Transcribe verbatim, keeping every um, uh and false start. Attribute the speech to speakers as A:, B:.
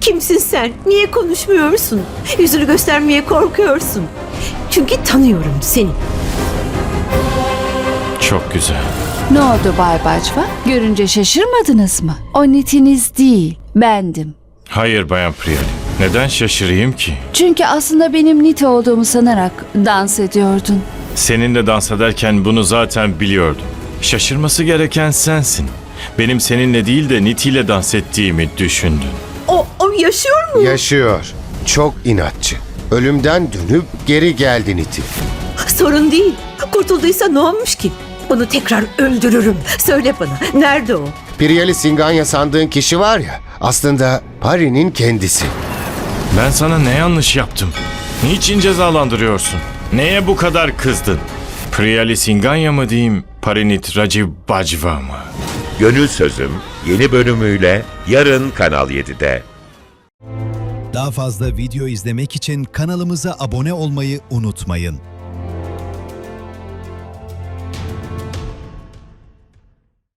A: Kimsin sen? Niye konuşmuyorsun? Yüzünü göstermeye korkuyorsun. Çünkü tanıyorum seni.
B: Çok güzel.
C: Ne oldu Bay Bacva? Görünce şaşırmadınız mı? O nitiniz değil, bendim.
B: Hayır Bayan Priyali. Neden şaşırayım ki?
C: Çünkü aslında benim niti olduğumu sanarak dans ediyordun.
B: Seninle dans ederken bunu zaten biliyordum. Şaşırması gereken sensin. Benim seninle değil de Niti ile dans ettiğimi düşündün.
A: O, o yaşıyor mu?
D: Yaşıyor. Çok inatçı. Ölümden dönüp geri geldi Niti.
A: Sorun değil. Kurtulduysa ne olmuş ki? Onu tekrar öldürürüm. Söyle bana, nerede o?
D: Priyali Singanya sandığın kişi var ya, aslında Pari'nin kendisi.
B: Ben sana ne yanlış yaptım? Niçin cezalandırıyorsun? Neye bu kadar kızdın? Priyali Singanya mı diyeyim, Parinit Rajiv Bajwa mı?
E: Gönül Sözüm yeni bölümüyle yarın Kanal yedide.
F: Daha fazla video izlemek için kanalımıza abone olmayı unutmayın.